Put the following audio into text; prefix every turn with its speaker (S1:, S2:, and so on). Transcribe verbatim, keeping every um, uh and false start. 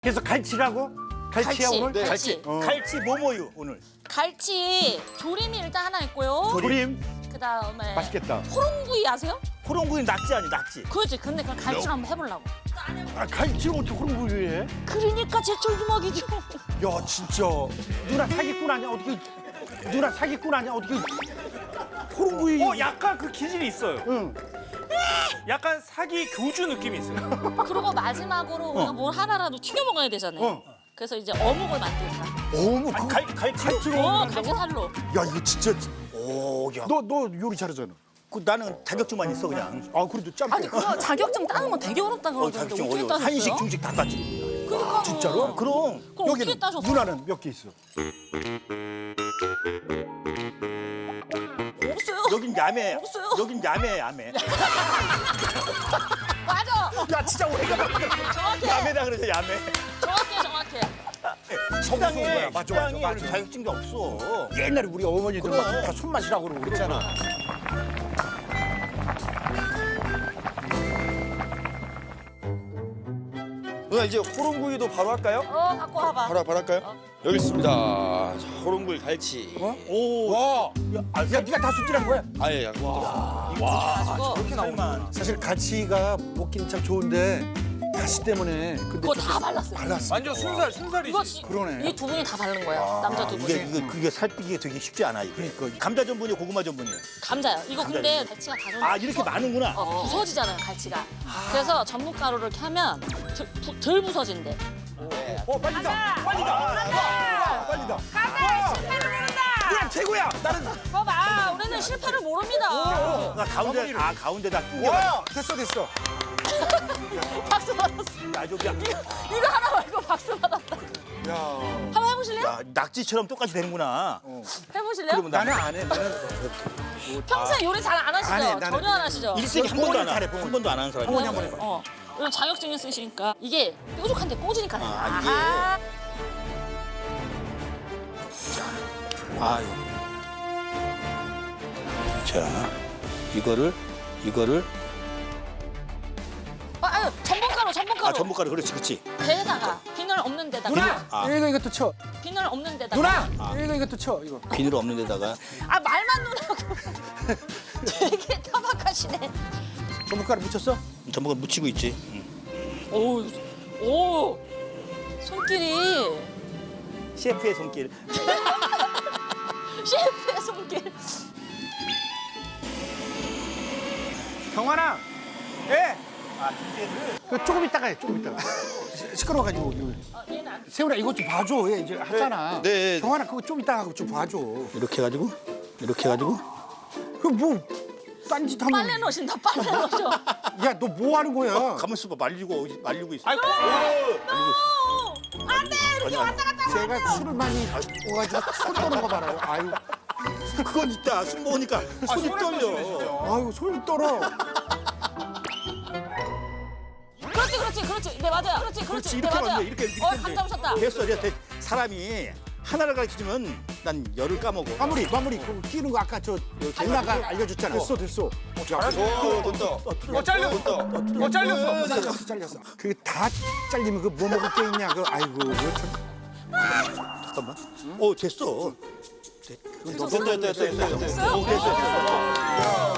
S1: 그래서 갈치라고? 갈치야
S2: 갈치,
S1: 오늘?
S2: 네.
S3: 갈치.
S1: 어.
S3: 갈치 뭐뭐유 오늘.
S2: 갈치 조림이 일단 하나 있고요.
S1: 조림
S2: 그다음에
S1: 맛있겠다.
S2: 호롱구이 아세요?
S3: 호롱구이 낙지 아니 낙지.
S2: 그렇지. 근데 그럼 갈치를 한번 해보려고.
S1: 아 갈치 어떻게 그런 거 해?
S2: 그러니까 제철 주먹이죠.
S1: 야 진짜 누나 사기꾼 아니야 어떻게? 누나 사기꾼 아니야 어떻게? 호롱구이.
S4: 어, 약간 그 기질이 있어요.
S1: 응.
S4: 약간 사기 교주 느낌이 있어요.
S2: 그리고 마지막으로 우리가 뭘 하나라도 튀겨 먹어야 되잖아요.
S1: 어.
S2: 그래서 이제 어묵을 만들자.
S1: 어머
S3: 아니,
S1: 그
S3: 갈 갈치.
S1: 갈치로.
S2: 어, 갈치 살로.
S1: 야 이거 진짜.
S3: 오, 야.
S1: 너 너 요리 잘하잖아.
S3: 그 나는 자격증만 있어 그냥.
S1: 아 그래도 짬뽕.
S2: 아니 그거 자격증 따는 건 되게 어렵다
S3: 어,
S2: 그러던데
S3: 자격증
S2: 어떻게
S3: 어려워.
S2: 따셨어요?
S3: 한식 중식 다 따지.
S2: 그러니까
S1: 진짜로?
S3: 그럼.
S2: 그럼 어떻게 따셨어요?
S1: 누나는 몇 개 있어?
S2: 없어요.
S3: 여긴 야매.
S2: 없어요.
S3: 여긴 야매 야매.
S2: 맞아.
S3: 야 진짜 우리가
S2: 정확해.
S3: 야매다 그러죠 야매.
S2: 정확해 정확해.
S3: 식당에
S1: 맞아,
S3: 식당에
S1: 맞아, 맞아.
S3: 자격증이 없어.
S1: 옛날에 우리 어머니들
S3: 그럼.
S1: 막 다 손맛이라고 그러고 그랬잖아.
S5: 누나 이제 호롱구이도 바로 할까요?
S2: 어 갖고 와봐.
S5: 바로 바로 할까요? 여기 있습니다. 자, 호롱구이 갈치.
S1: 어?
S3: 오.
S1: 와. 야, 아, 야 네가 다 손질한 거야?
S5: 아예 약.
S2: 가지고
S3: 이렇게 나오면
S1: 사실 갈치가 먹기는 참 좋은데 가시 때문에 근데
S2: 그거
S1: 좀
S2: 다 발랐어요.
S1: 발랐어.
S4: 완전 순살, 순살이지.
S2: 이거 지-
S1: 그러네.
S2: 이 두 분이 다 바른 거예요. 남자 두
S3: 이게
S2: 분이.
S3: 이게 그게 살피기 되게 쉽지 않아 이게.
S1: 그러니까.
S3: 감자 전분이 고구마 전분이에요.
S2: 감자요. 이거 근데 갈치가 다 좀.
S3: 아 이렇게 많은구나.
S2: 어, 부서지잖아요, 갈치가. 그래서 전분 가루를 이렇게 하면 덜, 부- 덜 부서진대.
S1: 어 빨리다. 빨리다. 빨리다. 가자. 실패를 모른다. 누나 최고야. 나는.
S2: 봐봐, 우리는 실패를 모릅니다.
S3: 나 가운데 아 가운데다 끼워.
S1: 와 됐어 됐어.
S2: 박수 받았어.
S3: 야 저기야.
S2: 이거 하나 말고 박수 받았다.
S1: 야.
S2: 한번 해보실래요?
S3: 야 낙지처럼 똑같이 되는구나.
S2: 해보실래요?
S3: 그러면
S1: 나는 안 해. 나는
S2: 평소에 요리 잘 안 하시죠?
S1: 안 해, 나는
S2: 전혀 안 하시죠?
S3: 일생에 한 번도 안 하. 한 번도 안 하는 사람이.
S1: 어머니 한번 해봐.
S2: 어. 이거 자격증 있으시니까 이게 뾰족한데 꽂으니까 돼요.
S3: 아, 이게.
S2: 아하.
S3: 아유. 자 이거를 이거를
S2: 아, 아유, 전분가루, 전분가루.
S3: 아 전복가루 그렇지 그렇지.
S2: 배에다가 비늘 없는 데다가.
S1: 누나.
S3: 아.
S1: 이거 이것도 쳐.
S2: 비늘 없는 데다가.
S1: 누나. 이거 이것도 쳐 이거.
S3: 비늘 없는 데다가
S2: 아 말만 누나고. 되게 타박하시네.
S1: 전분가루 묻혔어?
S3: 전복을 묻히고 있지. 응.
S2: 오, 오, 손길이
S3: 셰프의 손길.
S2: 셰프의 손길.
S1: 경환아. 예.
S3: 아 이제를
S1: 그 조금 있다가 해. 조금 있다가. 시- 시끄러워가지고. 이거.
S2: 어, 얘는 안.
S1: 세훈아 이거 좀 봐줘. 얘 이제 하잖아.
S5: 네, 네.
S1: 경환아 그거 좀 이따가 하고 좀 봐줘.
S3: 이렇게 해가지고 이렇게 해가지고
S1: 그뭐 딴짓 하면.
S2: 빨래 넣으신다, 빨래 넣으셔.
S1: 야 너 뭐 하는 거야?
S3: 가만 있어봐 말리고 말리고 있어.
S4: 아이고,
S2: 안 돼, 이렇게 왔다 갔다.
S1: 제가 술을 많이 먹어가지고 손 떠는 거 봐라요. 아유,
S3: 그건 있다. 술 먹으니까 손이
S4: 손을
S3: 떨려.
S4: 조심해주세요.
S1: 아유 손이 떨어.
S2: 그렇지, 그렇지, 그렇지. 네 맞아요. 그렇지, 그렇지.
S3: 그렇지
S2: 네
S3: 이렇게 하면
S2: 맞아요.
S3: 돼. 이렇게 이렇게
S2: 어,
S3: 하면
S2: 감
S3: 돼.
S2: 잡으셨다.
S3: 됐어 됐어. 사람이 하나를 가르치면 난 열을 까먹어.
S1: 마무리 마무리. 그 끼는 거 아까 저 누나가 알려줬잖아. 됐어 됐어.
S5: 오 된다.
S4: 어, 잘렸어. 어, 잘렸어.
S1: 잘렸어 잘렸어. 그게 다 잘리면 그 뭐 먹을 게 있냐 그 아이고 그거 참.
S3: 잠깐만. 어 됐어.
S5: 됐다 됐다 됐다 됐다.
S2: 됐어요?
S3: 어, 됐어 됐어.